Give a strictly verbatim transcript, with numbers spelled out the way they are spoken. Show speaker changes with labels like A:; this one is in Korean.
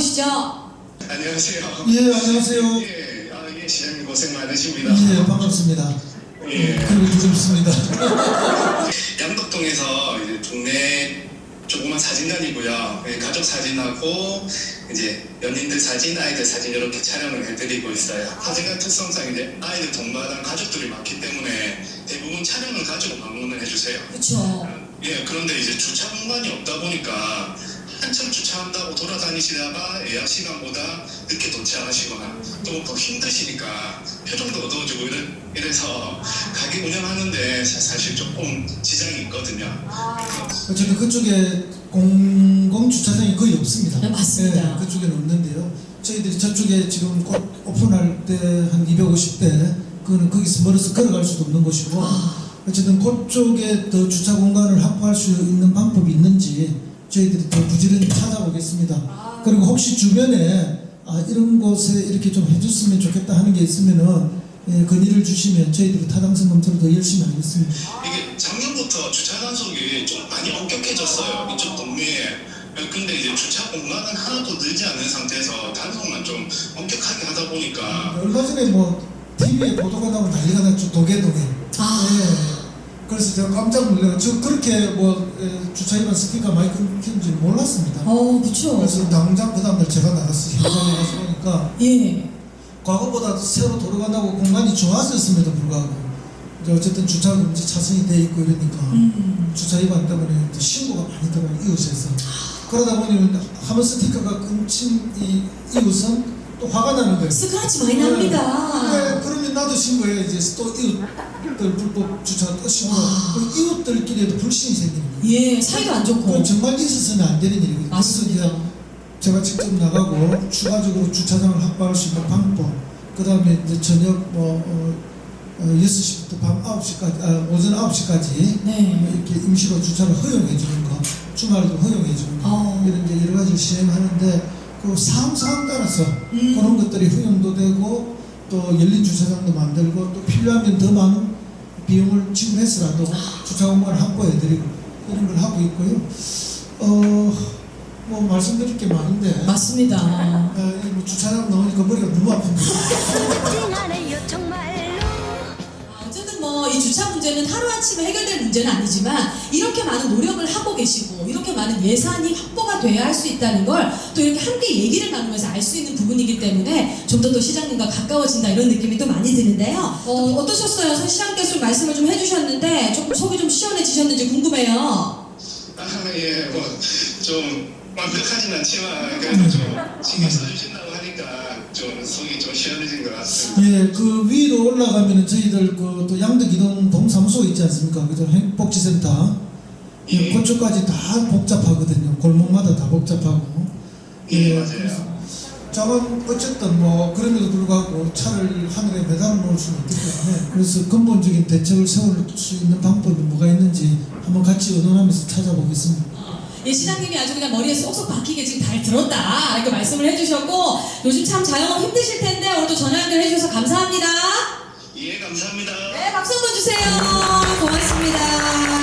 A: 만나보시죠.
B: 안녕하세요.
C: 예, 안녕하세요.
B: 예, 아, 예, 시장님 고생 많으십니다.
C: 예, 반갑습니다.
B: 예.
C: 그리고 부럽습니다.
B: 양덕동에서 이제 동네 조그만 사진관이고요. 예, 가족 사진하고 이제 연인들 사진, 아이들 사진 이렇게 촬영을 해드리고 있어요. 사진관 특성상 이제 아이들 동반한 가족들이 많기 때문에 대부분 촬영을 가지고 방문을 해주세요.
A: 그렇죠.
B: 예, 그런데 이제 주차 공간이 없다 보니까 한참 주차한다고 돌아다니시다가 예약 시간보다 늦게 도착하시거나 또 더 힘드시니까 표정도 어두워지고 이래, 이래서 가게 운영하는데 사실 조금 지장이 있거든요.
C: 어쨌든 그쪽에 공공주차장이 거의 없습니다.
A: 네, 맞습니다.
C: 예, 그쪽에는 없는데요. 저희들이 저쪽에 지금 곧 오픈할 때 한 이백오십 대, 그거는 거기서 멀어서 걸어갈 수도 없는 곳이고, 어쨌든 그쪽에 더 주차 공간을 확보할 수 있는 방법이 있는지 저희들이 더 부지런히 찾아보겠습니다. 그리고 혹시 주변에 아, 이런 곳에 이렇게 좀 해줬으면 좋겠다 하는 게 있으면은 예, 건의를 주시면 저희들이 타당성 검토를 더 열심히 하겠습니다.
B: 이게 작년부터 주차 단속이 좀 많이 엄격해졌어요. 이쪽 동네에. 근데 이제 주차 공간은 하나도 늘지 않은 상태에서 단속만 좀 엄격하게 하다 보니까
C: 얼마 전에 뭐 티비에 보도가 나고 난리가 났죠. 도계동에.
A: 아.
C: 예. 그래서 제가 깜짝 놀라요. 저 그렇게 뭐 예, 주차 위반 스티커 많이 끊긴지 몰랐습니다.
A: 어, 그렇죠.
C: 그래서 당장 그 다음날 제가 나갔어요. 현장에 가서 보니까
A: 예.
C: 과거보다 새로 도로가 나고 공간이 좋아졌음에도 불구하고 이제 어쨌든 주차 금지 차선이 돼 있고 이러니까
A: 음.
C: 주차 위반 때문에 신고가 많이 들어요. 이웃에서. 그러다 보니 한번 스티커가 끊친 이 이웃은 또 화가 나는 거예요.
A: 스크래치 많이 납니다.
C: 네, 그러면 나도 신고해야지. 또 이웃들 불법 주차 또 신고. 그 이웃들끼리도 불신이 생기는 거예요.
A: 예, 사이도 안 좋고.
C: 그건 정말 있어서는 안 되는 일이거든요.
A: 맞습니다.
C: 그래서 제가 직접 나가고 추가적으로 주차장을 확보할 수 있는 방법, 그 다음에 이제 저녁 뭐 어, 어, 여섯 시부터 밤 아홉 시까지, 아, 오전 아홉 시까지
A: 네.
C: 이렇게 임시로 주차를 허용해 주는 거, 주말에도 허용해 주는 거,
A: 어.
C: 이런 이제 여러 가지를 시행하는데 그 상황 상황 따라서
A: 음.
C: 그런 것들이 허용도 되고 또 열린 주차장도 만들고 또 필요하면 더 많은 비용을 지불해서라도 주차 공간을 확보해 드리고 이런 걸 하고 있고요. 어. 뭐 말씀드릴 게 많은데
A: 맞습니다.
C: 아, 뭐 주차장 나오니까 머리가 너무 아픈데.
A: 어쨌든 뭐 이 주차 문제는 하루아침에 해결될 문제는 아니지만 이렇게 많은 노력을 하고 계시고 이렇게 많은 예산이 확보가 돼야 할 수 있다는 걸 또 이렇게 함께 얘기를 나누면서 알 수 있는 부분이기 때문에 좀 더 또 시장님과 가까워진다 이런 느낌이 또 많이 드는데요. 어, 어떠셨어요? 서 시장께서 말씀을 좀 해주셨는데 조금 속이 좀 시원해지셨는지 궁금해요.
B: 아, 예, 뭐 좀 완벽하진 않지만 그래도 좀 신경 써주신다고 하니까 좀 속이 좀 시원해진 것 같습니다.
C: 예, 그 위로 올라가면은 저희들 그 또 양덕이동 동사무소 있지 않습니까? 그죠? 행복지센터. 예,
B: 예.
C: 그쪽까지 다 복잡하거든요. 골목마다 다 복잡하고.
B: 예, 맞아요.
C: 저건 어쨌든 뭐 그럼에도 불구하고 차를 하늘에 매달아 놓을 수는 없기 때문에 그래서 근본적인 대책을 세울 수 있는 방법이 뭐가 있는지 한번 같이 의논하면서 찾아보겠습니다.
A: 예, 시장님이 아주 그냥 머리에 쏙쏙 박히게 지금 잘 들었다 이렇게 말씀을 해주셨고 요즘 참 자영업 힘드실 텐데 오늘도 전화 연결해 주셔서 감사합니다.
B: 예, 감사합니다.
A: 네, 박수 한번 주세요. 고맙습니다.